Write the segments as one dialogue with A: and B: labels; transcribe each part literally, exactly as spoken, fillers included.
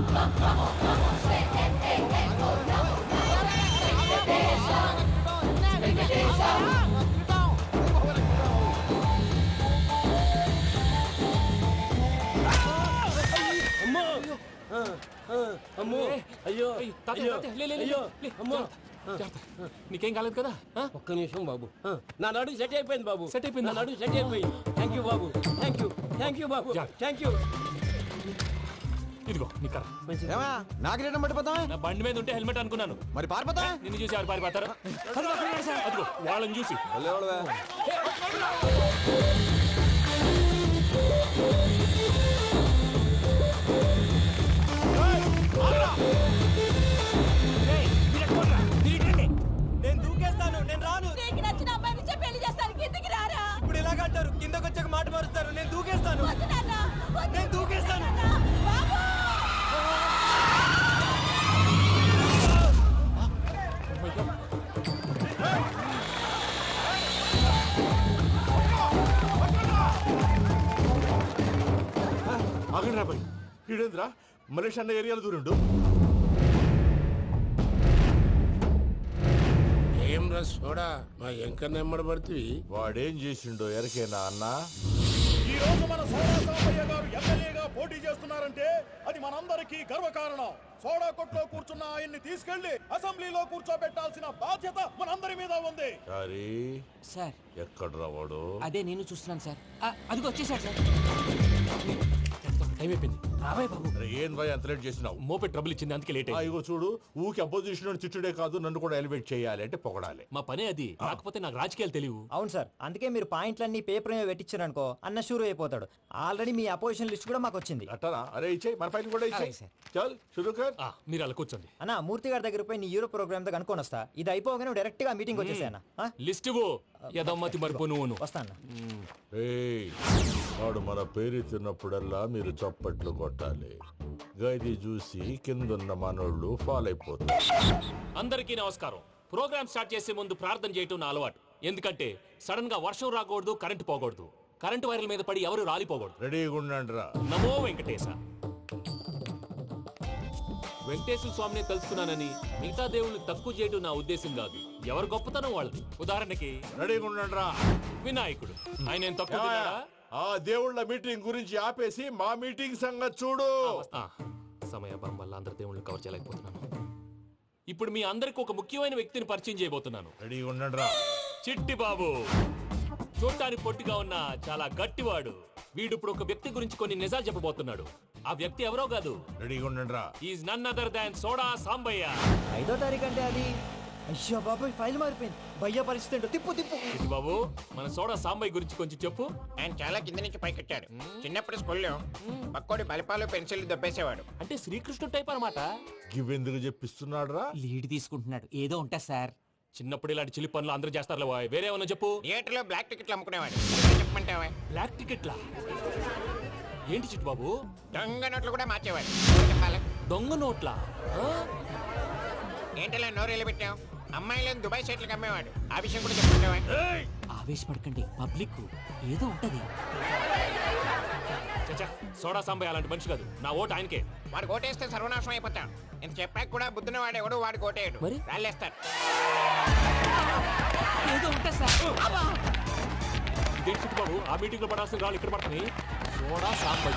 A: అమ్మో అయ్యో అయ్యో అమ్మో
B: నీకేం కాలేదు కదా?
A: ఒక్క నిమిషం బాబు, నా నడు సెట్ అయిపోయింది బాబు. సెట్ అయిపోయింది, నా నడు సెట్ అయిపోయింది. థ్యాంక్ యూ బాబు, థ్యాంక్ యూ థ్యాంక్ యూ బాబు, థ్యాంక్ యూ.
B: ఇదిగో నీ కర్ర.
C: నాగరేటం పట్టిపోతావా?
B: నా బండి మీద ఉంటే హెల్మెట్ అనుకున్నాను.
C: మరి పారిపోతా?
B: నిన్ను చూసి ఎవరు పారిపోతారు? అదిగో వాళ్ళని చూసి.
D: నేను దూకేస్తాను, నేను రాను.
E: నీకు నచ్చిన అమ్మాయి నుంచే పెళ్లి చేస్తాను, కిందకి రారా.
D: ఇప్పుడు ఇలాగంటారు, కిందకి వచ్చాక మాట మారుస్తారు. నేను దూకేస్తాను,
E: వద్దు నాన్న, వద్దు.
D: నేను దూకేస్తాను.
E: బాబు
F: ఆగండి రా బాయ్, ఈడేంద్రా మలేష్ అన్న ఏరియాలో దూరిండు.
G: ఏం రా సోడా మా ఎంకన్న ఎమ్మడి పడుతుంది.
F: వాడేం చేసిండో ఎరకేనా అన్న?
H: ఈ రోజు మన సోడా సాంబయ్య గారు ఎమ్మెల్యేగా పోటీ చేస్తున్నారంటే అది మనందరికీ గర్వకారణం. సోడా కొట్లో కూర్చున్న ఆయన్ని తీసుకెళ్లి అసెంబ్లీలో కూర్చోబెట్టాల్సిన బాధ్యత మనందరి మీద ఉంది.
F: సారీ
I: సార్,
F: ఎక్కడ రావాడు?
I: అదే నేను చూస్తున్నాను సార్. అదిగో వచ్చేసాడు సార్.
B: టైం అయిపోయింది, రాబాయ్ బాబు.
F: ఏం బాయ్ అంత లేట్ చేసినావు?
B: మోపే ట్రబుల్ ఇచ్చింది, అందుకే లేట్ అయింది.
F: ఇగో చూడు, ఊకి అపోజిషన్ తిట్టుడే కాదు, నన్ను కూడా ఎలివేట్ చేయాలి అంటే పొగడాలి.
B: మా పనే అది, కాకపోతే నాకు రాజకీయాలు తెలియవు.
D: అవును సార్, అందుకే మీరు పాయింట్లన్నీ పేపర్ మీద పెట్టించారు అనుకో, అన్న షూర్ అయిపోతాడు. ఆల్రెడీ మీ అపోజిషన్ లిస్ట్ కూడా మాకు వచ్చింది.
F: అట్టనా? అరే ఇచ్చేయి, మన ఫైల్ కూడా ఇచ్చేయి. చల్ షురూ కర్.
B: మీరు అలా కూర్చోండి.
D: అన్న, మూర్తి గారి దగ్గర పోయి నీ యూరో ప్రోగ్రామ్ తో కనుక్కొని వస్తా. ఇది అయిపోగానే డైరెక్ట్ గా మీటింగ్ వచ్చేసాను.
B: లిస్ట్ యదమ్మతి మరిపో నువ్వు
D: వస్తాను.
F: వాడు మన పేరు తిన్నప్పుడల్లా మీరు చప్పట్లు కొట్టాలి. గది చూసి కిందున్న మనోళ్ళు ఫాలో అయిపోతారు.
B: అందరికీ నమస్కారం. ప్రోగ్రామ్ స్టార్ట్ చేసే ముందు ప్రార్థన చేయటం నా అలవాటు. ఎందుకంటే సడన్ గా వర్షం రాకూడదు, కరెంటు పోకూడదు, కరెంటు వైర్ల మీద పడి ఎవరు రాలిపోకూడదు.
F: రెడీగా ఉండండి రా.
B: నమో వెంకటేశ. వెంకటేశ్వర స్వామిని తెలుసుకున్నానని మిగతా దేవుళ్ళు తక్కువ చేయడం నా ఉద్దేశం కాదు. ఎవరు గొప్పతనం వాళ్ళది. ఉదాహరణకి
F: రెడీగా ఉండండి రా.
B: వినాయకుడు, ఆయన ఏం తక్కువ తిన్నాడా?
F: ఆ దేవుళ్ళ మీటింగ్ గురించి ఆపేసి మా మీటింగ్ సంగతి చూడు.
B: సమయాభావం వల్ల అందరి దేవుళ్ళు కవర్ చేయలేకపోతున్నాను. ఇప్పుడు మీ అందరికి ఒక ముఖ్యమైన వ్యక్తిని పరిచయం చేయబోతున్నాను.
F: రెడీగా ఉండండి రా.
B: చిట్టి బాబు. చూడటానికి పొట్టిగా ఉన్న చాలా గట్టివాడు. వీడు ఇప్పుడు ఒక వ్యక్తి గురించి కొన్ని నిజాలు చెప్పబోతున్నాడు. ఆ వ్యక్తి ఎవరో కాదు.
F: రెడీగా ఉండండి రా.
B: Is none other than soda Sambayya.
D: ఐదో తారీఖు అంటే అది. అయ్యో బాబాయ్, ఫైల్ మారిపోయింది. భయ్య పరిస్థితి ఏంటో తిప్పు తిప్పు.
B: చిట్టి బాబు, మన సోడా సాంబయ్య గురించి కొంచెం చెప్పు.
G: ఆయన చాలా కింద నుంచి పైకెట్టాడు. చిన్నప్పుడు స్కూల్లో పక్కోడి బలిపాలు పెన్సిల్ దబ్బేసేవాడు.
B: అంటే శ్రీకృష్ణుడు టైప్ అనమాట.
F: గివెందుకు చెప్పిస్తున్నాడు రా?
I: లీడ్ తీసుకుంటున్నాడు, ఏదో ఉంటా సార్.
B: చిన్నప్పుడు ఇలాంటి చిలి పనులు అందరూ చేస్తారు. వేరే ఏమన్నా చెప్పు.
G: థియేటర్ లో బ్లాక్ టికెట్లు అమ్ముకునేవాడు. చెప్పమంటావా?
B: బ్లాక్ టికెట్లా? ఏంటి చిట్టు బాబు?
G: దొంగ నోట్లు కూడా మార్చేవాడు. చెప్పాలి.
B: దొంగ నోట్లా?
G: ఏంటలా నోరేళ్ళు పెట్టావు? అమ్మాయిలను దుబాయ్ సైట్లకు అమ్మేవాడు. ఆ విషయం కూడా చెప్పమంటావా?
I: ఆవేశపడకండి, పబ్లిక్ ఏదో ఉంటది.
B: సోడా సాంబయ్య అలాంటి మనిషి కాదు. నా ఓటు ఆయనకే.
G: వాడు ఓటేస్తే సర్వనాశనం అయిపోతాం. ఇంత చెప్పాక కూడా బుద్ధిన వాడు ఎవడు వాడు ఓటేయడు.
I: మరి
G: రాళ్ళేస్తారు.
I: ఏదో ఉంటా సార్.
B: ఇదేంటి చిట్టు బాబు, ఆ మీటింగ్ లో పడాల్సిన రాళ్ళు ఇక్కడ పడుతుంది. సోడా సాంబయ్య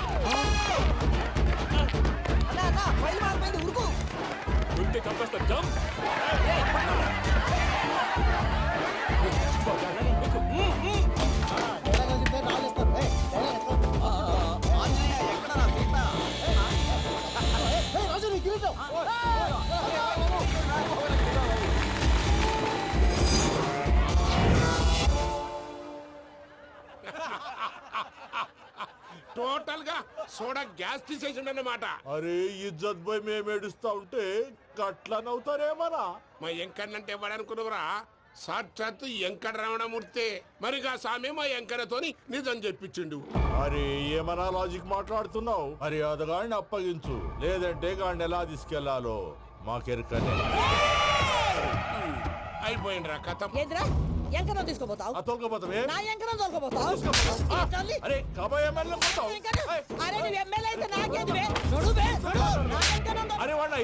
B: ఉంటే చంపేస్తా. జంప్.
G: టోటల్ గా సోడా గ్యాస్ తీసేసిండు అన్నమాట.
F: అరే ఇజ్జత్ పోయి మేము ఏడుస్తా ఉంటే గట్లా నవ్వుతారేమరా?
G: మా ఎంకన్నంటే ఎవడనుకున్నావురా? సాక్షాత్తు ఎంకట రమణమూర్తి. మరిగా సామె మా ఎంకరతోని నిజం చెప్పించిండు.
F: అరే ఏమన్నా లాజిక్ మాట్లాడుతున్నావు? అరే అదగాడిని అప్పగించు, లేదంటే గాడిని ఎలా తీసుకెళ్లాలో మాకెరకనే.
G: అయిపోయిండ్రా కథ.
E: ఎంకరం తీసుకోపోతావు?
F: తోలుకోపోతావే?
E: నా ఎంకరం తోలుకోపోతావు?
F: అరే కబాయ్ ఎమ్మెల్యే
E: అరే నువ్వు ఎమ్మెల్యే అయితే నాకేది?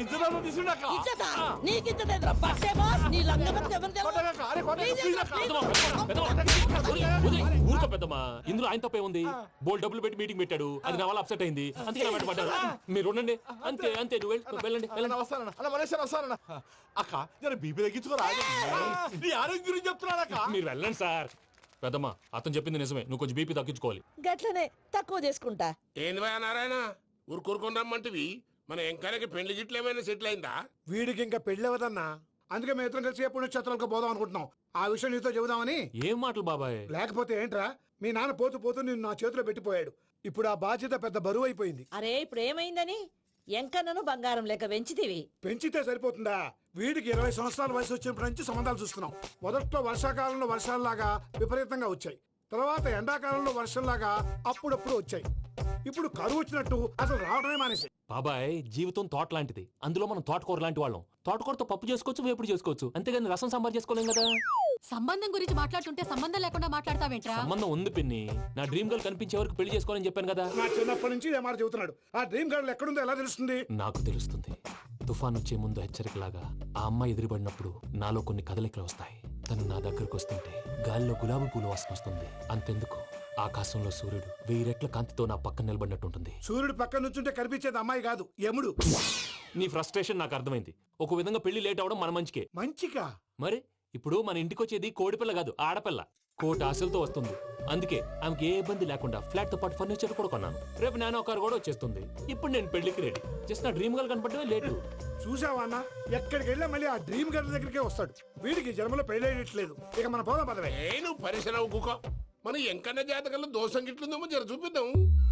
F: ఇద్దరు తీసుకున్నాక
E: ఇచ్చతా నీకు ఇచ్చదేంద్రా బస్సే బాస్ నీ లంగమతి ఎవరు
F: కొట్టగాక, అరే కొట్టగాక, please అక్క.
B: పెద్దమ్మా, పెద్దమ్మా, పెద్దమ్మా, వదిలేయ్, వదిలేయ్, ఊరుకో పెద్దమ్మా. ఇందులో ఆయన తప్పే ఉంది. బోల్ డబ్బులు పెట్టి మీటింగ్ పెట్టాడు, అది నా వల్ల అప్సెట్ అయింది, అందుకే నా వెంట పడ్డారు. మీరు ఉండండి, అంతే అంతే, నువ్వు వెళ్ళు, వెళ్ళండి
F: అన్న
B: వెళ్ళండి.
F: వస్తానన్న అన్న మలేషియా వస్తానన్న అక్క నేను బీపీ తగ్గించుకోరా నీ ఆరోగ్యం గురించి చెప్తున్నాను అక్క
B: మీరు వెళ్ళండి సార్. పెద్దమ్మా, అతను చెప్పింది నిజమే, నువ్వు కొంచెం బీపీ తగ్గించుకోవాలి.
E: గట్లనే తక్కువ చేసుకుంటా.
G: ఏంది భయ నారాయణ ఊరుకూరుకొని రమ్మంటివి మన ఎంకరకి పెళ్లి గిట్లు ఏమైనా సెటిల్ అయిందా?
H: వీడికి ఇంకా పెళ్లి అవ్వదన్నా, అందుకే మేము ఇద్దరం కలిసి పుణ్యక్షేత్రాలకు పోదాం అనుకుంటున్నాం. ఆ విషయం నీతో చెబుదామని.
B: ఏం మాటలు బాబాయ్?
H: లేకపోతే ఏంట్రా, మీ నాన్న పోతూ పోతూ నిన్ను నా చేతిలో పెట్టిపోయాడు. ఇప్పుడు ఆ బాధ్యత పెద్ద బరువు అయిపోయింది.
E: అరే ఇప్పుడు ఏమైందని ఎంకన్నను బంగారం లెక్క పెంచితివి.
H: పెంచితే సరిపోతుందా? వీడికి ఇరవై సంవత్సరాల వయసు వచ్చినప్పటి నుంచి సంబంధాలు చూస్తున్నాం. మొదట్లో వర్షాకాలంలో వర్షాలలాగా విపరీతంగా వచ్చాయి, తర్వాత ఎండాకాలంలో వర్షంలాగా అప్పుడప్పుడు వచ్చాయి. ఇప్పుడు కరువు వచ్చినట్టు అసలు రావడమే మానేసి.
B: బాబాయ్, జీవితం తోట లాంటిది, అందులో మనం తోటకూర లాంటి వాళ్ళం. తోటకూరతో పప్పు చేసుకోవచ్చు, వేపుడు చేసుకోవచ్చు, అంతేగాని రసం సాంబార్ చేసుకోలేం కదా.
J: సంబంధం గురించి మాట్లాడుతుంటే సంబంధం లేకుండా మాట్లాడతావేంట్రా?
B: సంబంధం ఉంది పిన్ని, నా డ్రీమ్ గర్ల్ కనిపించే వరకు పెళ్లి చేసుకోవాలని చెప్పాను కదా.
H: నా చిన్నప్పటి నుంచి ఏ మాట చెబుతున్నాడు. ఆ డ్రీమ్ గర్ల్ ఎక్కడుందో ఎలా తెలుస్తుంది?
B: నాకు తెలుస్తుంది. తుఫాన్ వచ్చే ముందు హెచ్చరికలాగా ఆ అమ్మాయి ఎదురుపడినప్పుడు నాలో కొన్ని కదలికలు వస్తాయి. తను నా దగ్గరకు వస్తుంటే గాలిలో గులాబీ పూలు వాసన వస్తుంది. అంతెందుకు, ఆకాశంలో సూర్యుడు వెయ్యి రెట్ల కాంతితో నా పక్కన నిలబడినట్టుంటుంది.
H: సూర్యుడు పక్కన నుంచుంటే కనిపించేది అమ్మాయి కాదు, యముడు.
B: నీ ఫ్రస్ట్రేషన్ నాకు అర్థమైంది. ఒక విధంగా పెళ్లి లేట్ అవడం మన మంచికే.
H: మంచిగా?
B: మరి ఇప్పుడు మన ఇంటికి వచ్చేది కోడిపిల్ల కాదు, ఆడపిల్ల. కోటి ఆశలతో వస్తుంది. అందుకే ఆమెకి ఏ ఇబ్బంది లేకుండా ఫ్లాట్ తో పాటు ఫర్నిచర్ కూడా కొన్నాను. రేపు నానో కారు కూడా వచ్చేస్తుంది. ఇప్పుడు నేను పెళ్లికి రెడీ. జస్ట్ నా డ్రీమ్ గర్ల్ కనపడమే లేటు.
H: చూసావా అన్న, ఎక్కడికి వెళ్ళా మళ్ళీ ఆ డ్రీమ్ గర్ల్ దగ్గరికే వస్తాడు. వీడికి జన్మలో పెళ్ళేయట్లేదు. ఇక మన పోదాం పదవే.
G: ఏ నువ్వు పరిశ్రమ కుక మన ఎంకన్న జాతకంలో దోషం గిట్లుందేమో జర చూపిద్దాం.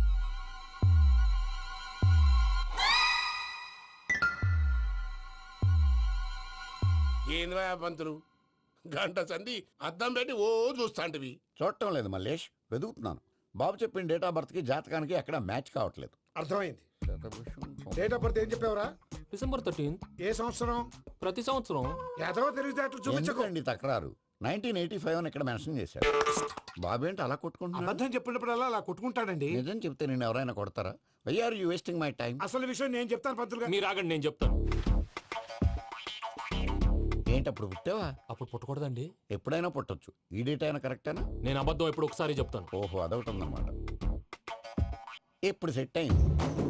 G: ఏంది భయ పంతులు, గంట సంధి అద్దం పెట్టి ఓ చూస్తాంటివి.
C: చూడటం లేదు మల్లేష్, వెతుకుతున్నాను. బాబు చెప్పిన డేట్ ఆఫ్ బర్త్ కి జాతకానికి ఎక్కడ మ్యాచ్ కావట్లేదు.
H: అర్థమైంది. డేట్ ఆఫ్ బర్త్ ఏం చెప్పావురా?
B: December thirteenth.
H: ఏ సంవత్సరం?
B: ప్రతి సంవత్సరం.
H: ఎదవ తెలివితేటలు చూపించకు.
C: ఎందుకండి తక్రారు? నైన్టీన్ ఎయిటీ ఫైవ్ అని ఇక్కడ మెన్షన్ చేశాడు. బాబు ఏంటి అలా కొట్టుకుంటున్నాడు?
H: అబద్ధం చెప్పినప్పుడల్లా అలా కొట్టుకుంటాడండి.
C: నిజం చెప్తే నేను ఎవరైనా కొడతారా? Why are you wasting my time?
H: అసలు విషయం నేను చెప్తాను పంతులు గారు.
B: మీరు ఆగండి, నేను చెప్తాను.
C: ఏంటి అప్పుడు పుట్టావా?
B: అప్పుడు పుట్టకూడదండి.
C: ఎప్పుడైనా పుట్టొచ్చు. ఈ డేట్ అయినా కరెక్టేనా?
B: నేను అబద్ధం ఎప్పుడు ఒకసారి చెప్తాను.
C: ఓహో, అదొకటి ఉందన్నమాట. ఇప్పుడు సెట్ అయింది.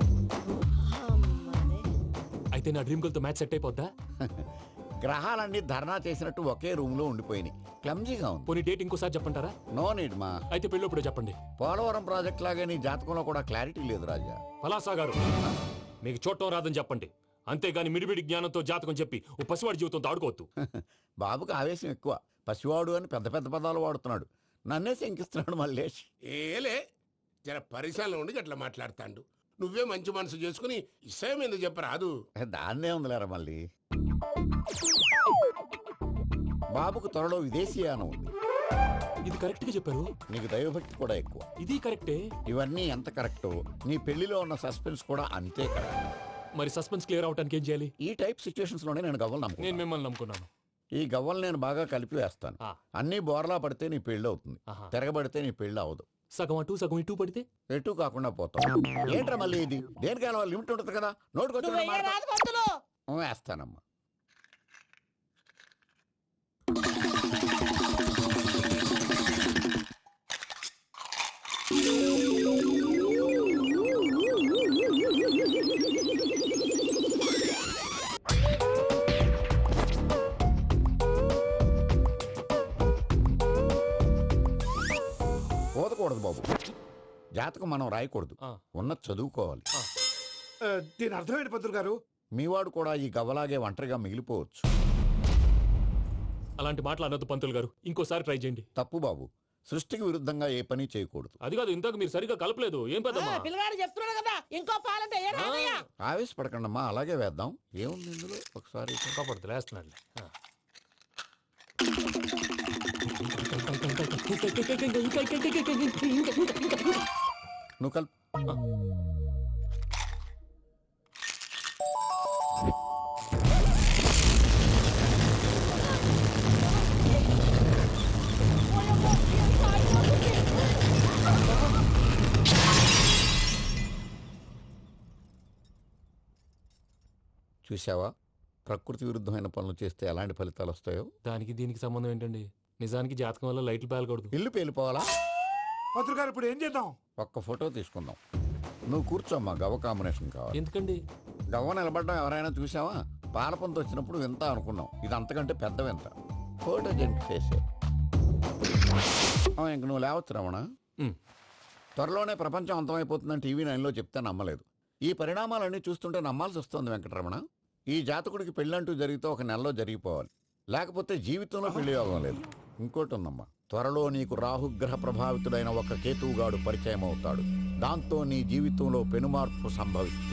B: అయితే నా డ్రీమ్ గర్ల్ తో మ్యాచ్ సెట్ అయిపోద్దా?
C: గ్రహాలన్నీ ధర్నా చేసినట్టు ఒకే రూమ్ లో ఉండిపోయినాయి. క్లమ్జీగా ఉంది.
B: పోనీ డేట్ ఇంకోసారి చెప్పంటారా?
C: నో నీడ్ మా.
B: అయితే పెళ్ళప్పుడు చెప్పండి.
C: పోలవరం ప్రాజెక్ట్ లాగే నీ జాతకంలో కూడా క్లారిటీ లేదు రాజా.
B: పలాసా గారు, మీకు చూడటం రాదని చెప్పండి, అంతేగాని మిడిమిడి జ్ఞానంతో జాతకం చెప్పి ఓ పసివాడి జీవితంతో ఆడుకోవద్దు.
C: బాబుకి ఆవేశం ఎక్కువ. పసివాడు అని పెద్ద పెద్ద పదాలు వాడుతున్నాడు. నన్నే శంకిస్తున్నాడు మల్లేష్.
G: ఏలే జర పరిశ్రమలో ఉండి గట్లా మాట్లాడతాండు. నువ్వే మంచి మనసు చేసుకుని ఇష్టం ఎందుకు చెప్పరాదు?
C: దాన్నే ఉందిలేరా మళ్ళీ. బాబుకు త్వరలో విదేశీయానం ఉంది.
B: ఇది కరెక్ట్ గా చెప్పారు.
C: నీకు దైవభక్తి కూడా ఎక్కువ.
B: ఇది కరెక్టే.
C: ఇవన్నీ ఎంత కరెక్టో నీ పెళ్లిలో ఉన్న సస్పెన్స్ కూడా అంతే కరెక్ట్.
B: మరి సస్పెన్స్ క్లియర్ అవడానికి ఏం చేయాలి?
C: ఈ టైప్ సిచ్యువేషన్స్ లోనే నేను గవ్వలు
B: నేను
C: నమ్ముకున్నాను.
B: మిమ్మల్ని నమ్ముకున్నాను.
C: ఈ గవ్వలు నేను బాగా కలిపి వేస్తాను.
B: ఆ.
C: అన్ని బోర్లా పడితే నీ పెళ్లి అవుతుంది.
B: ఆహా.
C: తిరగబడితే నీ పెళ్లి అవదు.
B: సగం అటు సగం ఇటు పడితే
C: ఎటు కాకుండా పోతావు. ఏంట్రా మళ్ళీ ఇది? దేనికైనా లిమిట్ ఉంటుంది కదా.
E: నువ్వు
C: నోటుకొచ్చిన
E: వెయ్యరాదు పంతులు.
C: వేస్తానమ్మా. పోదకూడదు బాబు. జాతకం మనం రాయకూడదు,
B: ఆ.
C: ఉన్నది చదువుకోవాలి.
H: ఆ, దీని అర్థమైంది పంతులు గారు.
C: మీవాడు కూడా ఈ గవ్వలాగే ఒంటరిగా మిగిలిపోవచ్చు.
B: అలాంటి మాటలు అనొద్దు పంతులు గారు, ఇంకోసారి ట్రై చేయండి.
C: తప్పు బాబు. సృష్టికి విరుద్ధంగా ఏ పని చేయకూడదు.
B: అది కాదు, ఇంతకు మీరు సరిగా కలపలేదు. ఏం
E: ఆ,
B: పెద్దమ్మా?
E: పిల్లగాడు చెప్తున్నాడు కదా ఇంకో పాలంటే ఏ రాదయ్యా?
C: ఆవేశపడకండమ్మా, అలాగే వేద్దాం. ఏముంది ఇందులో? ఒకసారి
B: కాపాడుతు లేస్తున్నాడు.
C: నువ్వు కల్ చూసావా ప్రకృతి విరుద్ధమైన పనులు చేస్తే ఎలాంటి ఫలితాలు వస్తాయో.
B: దానికి దీనికి సంబంధం ఏంటండి? నిజానికి జాతకం వల్ల లైట్లు పేలకూడదు.
C: ఇల్లు పేలిపోవాలా?
H: పంతులు గారు ఇప్పుడు ఏం చేద్దాం?
C: ఒక్క ఫోటో తీసుకుందాం. నువ్వు కూర్చోమ్మా, గవ్వ కాంబినేషన్ కావాలి.
B: ఎందుకండి?
C: గవ్వ నిలబడ్డం ఎవరైనా చూసావా? పాలపంత వచ్చినప్పుడు వింత అనుకున్నాం, ఇది అంతకంటే పెద్ద వింత. ఫోటో జంక్ చేసే ఇంక నువ్వు లేవచ్చు రమణ.
B: ఉమ్.
C: త్వరలోనే ప్రపంచం అంతమైపోతుందని టీవీ నైన్లో చెప్తే నమ్మలేదు. ఈ పరిణామాలన్నీ చూస్తుంటే నమ్మాల్సి వస్తుంది వెంకటరమణ. ఈ జాతకుడికి పెళ్ళంటూ జరిగితే ఒక నెలలో జరిగిపోవాలి, లేకపోతే జీవితంలో పెళ్లి యోగం లేదు. ఇంకోటి ఉందమ్మా, త్వరలో నీకు రాహుగ్రహ ప్రభావితుడైన ఒక కేతువుగాడు పరిచయం అవుతాడు. దాంతో నీ జీవితంలో పెనుమార్పు సంభవిస్తుంది.